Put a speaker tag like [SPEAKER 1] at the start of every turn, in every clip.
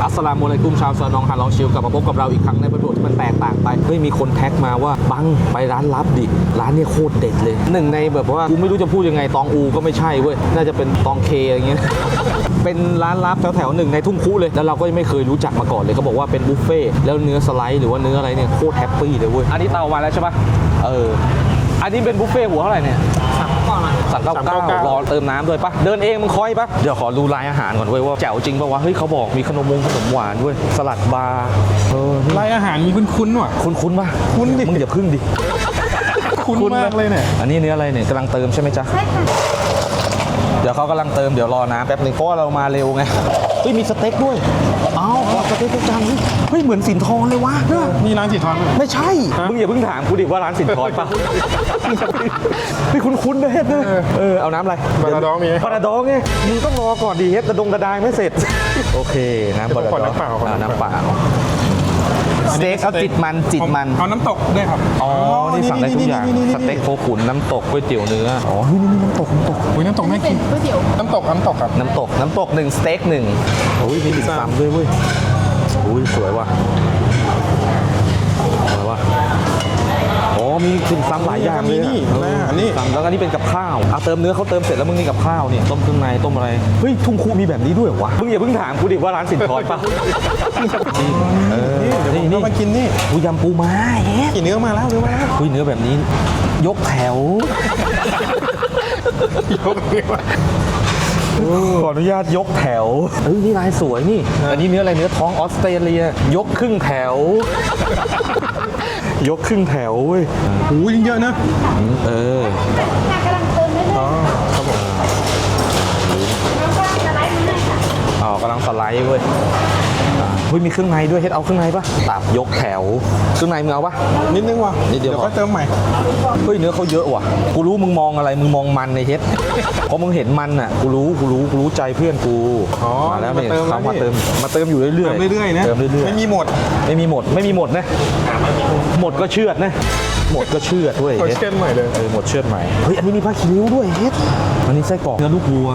[SPEAKER 1] อัสสลามุอะลัยกุมชาวซอยนองฮาลองชิลกลับมาพบกับเราอีกครั้งในบทบาทที่มันแตกต่างไปเฮ้ยมีคนแท็กมาว่าบังไปร้านลับดิร้านเนี่ยโคตรเด็ดเลยหนึ่งในแบบว่ากูไม่รู้จะพูดยังไงตองอูก็ไม่ใช่เว้ยน่าจะเป็นตองเคอะไรเงี้ย เป็นร้านลับแถวๆหนึ่งในทุ่งคุเลยแล้วเราก็ยังไม่เคยรู้จักมาก่อนเลยเขาบอกว่าเป็นบุฟเฟ่แล้วเนื้อสไลด์หรือว่าเนื้ออะไรเนี่ยโคตรแฮปปี้เลยเว้ยอันนี้เตามาแล้วใช่ปะอันนี้เป็นบุฟเฟ่หัวเท่าไหร่เนี่ยสั่ง99รอเติมน้ำด้วยปะเดินเองมึงคอยปะเดี๋ยวขอดูรายอาหารก่อนเว้ยว่าแจ๋วจริงปะวะเฮ้ยเขาบอกมีขนมหวานด้วยสลัดบาร์
[SPEAKER 2] รายอาหารมีคุ้นๆว่ะ
[SPEAKER 1] คุ้นปะคุ้นดิมึงอย่าพึ่งดิ
[SPEAKER 2] คุ้นมากเลยเนี่ย
[SPEAKER 1] อันนี้เนื้ออะไรเนี่ยกำลังเติมใช่ไหมจ๊ะใช่ค่ะเดี๋ยวเขากำลังเติมเดี๋ยวรอน้ำแป๊บนึงเพราะว่าเรามาเร็วไงเฮ้ยมีสเต็กด้วยสเต็กจานนี้เฮ้ยเหมือนสินทรเลยวะ
[SPEAKER 2] นี่ร้านสินทร
[SPEAKER 1] ไม่ใช่มึงอย่าเพิ่งถามกูดิว่าร้านสินทรปะพี่คุ้นๆนะเฮ็ดนะเอาน้ำอะไร
[SPEAKER 2] ปลาดองมี
[SPEAKER 1] ปลาดองไงมึงต้องรอก่อนดิเฮ็ดกระดาไม่เสร็จโอเคน้ำปลาดองน้ำเปล่าสเต็กเอาจิตมัน
[SPEAKER 2] เอาน้ำตกด้วยครับ
[SPEAKER 1] อ๋อนี่สั่งได้ทุกอย่างสเต็กโคขุนน้ำตกก๋วยเตี๋ยวเนื้ออ๋อนี่น้ำตก
[SPEAKER 2] อุ้ยน้ำตกน่ากินก๋วยเตี๋ยวน้ำตกครับ
[SPEAKER 1] น้ำตก1สเต็ก1โอ้ยมีติ่มซำด้วยเว้ยอุ้ยสวยว่ะอ๋อมีติ่มซำหลายอย่างเลย
[SPEAKER 2] นี่
[SPEAKER 1] แล้วอันนี้เป็นกับข้าวเติมเนื้อเขาเติมเสร็จแล้วมึงนี่กับข้าวนี่ต้มเครื่องในต้มอะไรเฮ้ยทุ่งคูมีแบบนี้ด้วยวะมึงอย่าเพิ่งถามกูดิว่าร้านสินทรปะ
[SPEAKER 2] นี่มากินนี่
[SPEAKER 1] กูยำปูม้า
[SPEAKER 2] กินเนื้อมาแล้ว
[SPEAKER 1] คุยเนื้อแบบนี้ยกแถวขออนุญาตยกแถวนี่ลายสวยนี่อันนี้เนื้ออะไรเนื้อท้องออสเตรเลียยกครึ่งแถวยกครึ่งแถวเว้ย
[SPEAKER 2] โอ้ยเยอะนะ
[SPEAKER 3] กำลังเติมได้เลย
[SPEAKER 2] ครับผม
[SPEAKER 1] กำลังสไลด์เว้ยมีเครื่องในด้วยเฮ็ดเอาเครื่องในปะตับยกแถวเครื่องในมึงเอาปะ
[SPEAKER 2] นิดนึงว่ะ
[SPEAKER 1] นิดเดียว
[SPEAKER 2] ก็เติมใหม่
[SPEAKER 1] เฮ้ยเนื้อเขาเยอะว่ะกูรู้มึงมองอะไรมึงมองมันในเฮ็ดเพราะมึงเห็นมันอ่ะกูรู้ใจเพื่อนกูมาแล้วเนี่ยเขามาเติมอยู่เรื่อย
[SPEAKER 2] ๆนะ
[SPEAKER 1] เติมเรื่อยๆ
[SPEAKER 2] ไม่มีหมด
[SPEAKER 1] นะหมดก็เชือดนะหมดก็เชือดด้วย
[SPEAKER 2] เชือดใหม่เลย
[SPEAKER 1] หมดเชือดใหม่เฮ้ยอันนี้มีผ้าคีริ้วด้วยเฮ็ดอันนี้ไส้กรอกเนื้อลูกวัว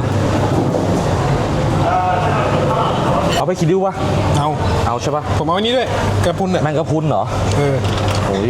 [SPEAKER 1] เอาไปคิดดูวะเอาใช่ปะ
[SPEAKER 2] ผมเอาอันนี้ด้วยกระพุนเนี่ย
[SPEAKER 1] แมงกระพุนเหรอโอ้ย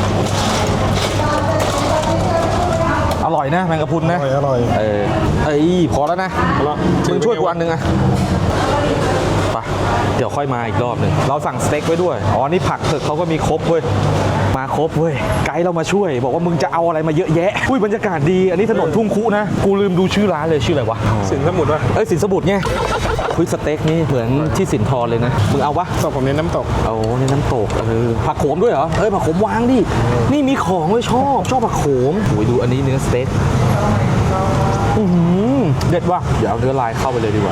[SPEAKER 1] อร่อยนะแมงกระพุนนะ
[SPEAKER 2] อร่อย
[SPEAKER 1] พอแล้วนะมึงช่วยกูอันนึงอะไปเดี๋ยวค่อยมาอีกรอบหนึ่งเราสั่งสเต็กไว้ด้วยอ๋อนี่ผักเถอะเขาก็มีครบเว้ยมาครบเว้ยไกด์เรามาช่วยบอกว่ามึงจะเอาอะไรมาเยอะแยะอุ้ยบรรยากาศดีอันนี้ถนนทุ่งคุนะกูลืมดูชื่อร้านเลยชื่ออะไรวะ
[SPEAKER 2] สินสมุทรวะ
[SPEAKER 1] สินสมุทรไงคุยสเต็กนี่เหมือนที่สินทรเลยนะมึงเอาวะ
[SPEAKER 2] ผมเน้นน้ำตก
[SPEAKER 1] เน้นน้ำตกผักโขมด้วยเหรอผักโขมวางดินี่มีของเลยชอบผักโขมโอ้ยดูอันนี้เนื้อสเต็กเด็ดว่ะเดี๋ยวเอาเนื้อลายเข้าไปเลยดีกว่า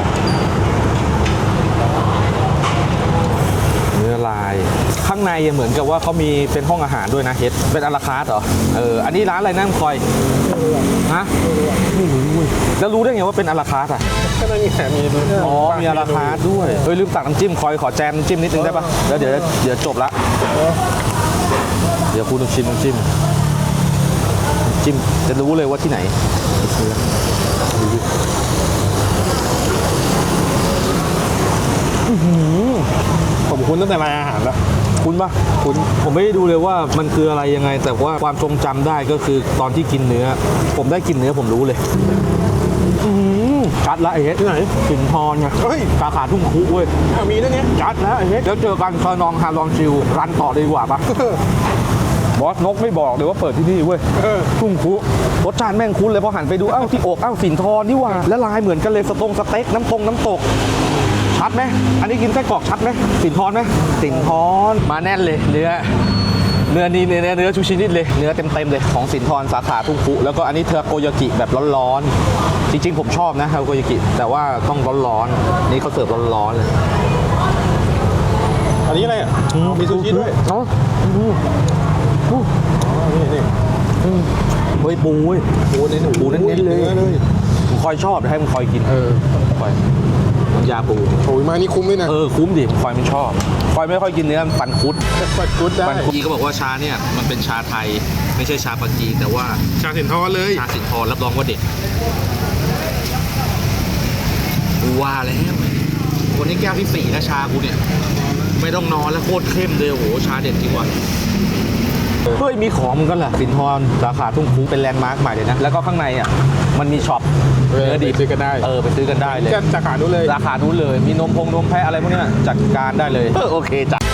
[SPEAKER 1] เนื้อลายข้างในเหมือนกับว่าเขามีเป็นห้องอาหารด้วยนะเฮ็ดเป็นอาราคาร์ทเหรออันนี้ร้านอะไรนั่งคอยฮะไม่รู้แล้วรู้ได้ไงว่าเป็นอาราคาร์ทอ่ะ
[SPEAKER 2] ก็ไม่มีแถมมี
[SPEAKER 1] มีอาราคาร์ทด้วยลืมตักน้ำจิ้มคอยขอแจมน้ำจิ้มนิดนึงได้ปะแล้วเดี๋ยวจบละเดี๋ยวคุณต้องชิมน้ำจิ้มจะรู้เลยว่าที่ไหน
[SPEAKER 2] ผมคุ้นตั้งแต่รายอาหารแล้ว
[SPEAKER 1] คุ้นปะคุ้นผมไม่ได้ดูเลยว่ามันคืออะไรยังไงแต่ว่าความทรงจำได้ก็คือตอนที่กินเนื้อผมได้กินเนื้อผมรู้เลยจัดละไอ้เฮ็ดที่ไหนสินทรไงสาขาทุ่งคุเว้ย
[SPEAKER 2] มีด้วยเนี่ย
[SPEAKER 1] จัดแล้วไอ้เฮ็ดแล้วเจอกันซอยนองฮาลองชิลรันต่อดีกว่าปะบอสนกไม่บอกเลยว่าเปิดที่นี่เว้ยทุ่งคุรสชาติแม่งคุ้นเลยพอหันไปดูที่อกสินทรนี่ว่าแล้วลายเหมือนกันเลยสเต็กน้ำตกชัดไหมอันนี้กินไส้กรอกชัดไหมสินทรไหมสินทรมาแน่นเลยเนื้อนี่เนื้อชูชินิดเลยเนื้อเต็มเลยของสินทรสาขาทุ่งคุแล้วก็อันนี้เทอโกยากิแบบร้อนๆจริงๆผมชอบนะเทอโกยากิแต่ว่าต้องร้อนๆนี่เขาเสิร์ฟร้อนๆเลย
[SPEAKER 2] อันนี้อะไรมีซูชิด้วย
[SPEAKER 1] นี่เฮ้ยปูเน้นเลยมึงคอยชอบให้มึงคอยกินคอยน้ำยาปู
[SPEAKER 2] โอ้ยมานี่คุ้มด้วยนะ
[SPEAKER 1] คุ้มดิคอยไม่ชอบคอยไม่ค่อยกินเนื้อฟันคุด
[SPEAKER 2] ได้
[SPEAKER 1] พี่ก็บอกว่าชาเนี่ยมันเป็นชาไทยไม่ใช่ชาปักกิ่งแต่ว่า
[SPEAKER 2] ชาสินทรเลย
[SPEAKER 1] ชาสินทรรับรองว่าเด็ดว่าแล้ววันนี้แก้วที่4นะชากูเนี่ยไม่ต้องนอนแล้วโคตรเข้มเลยโอ้โหชาเด็ดจริงว่ะเฮ้ยมีของมันก็แหละสินทรสาขาทุ่งครุเป็นแลนด์มาร์คใหม่เลยนะแล้วก็ข้างในอ่ะมันมีช็อปเนื้อดิบ
[SPEAKER 2] ซื้อกันได้
[SPEAKER 1] ไปซื้อกันได้เลย
[SPEAKER 2] จะสาขานู้นเลย
[SPEAKER 1] ราคานู้นเลยมีนมแพะอะไรพวกนี้จัดการได้เลยโอเคจ้ะ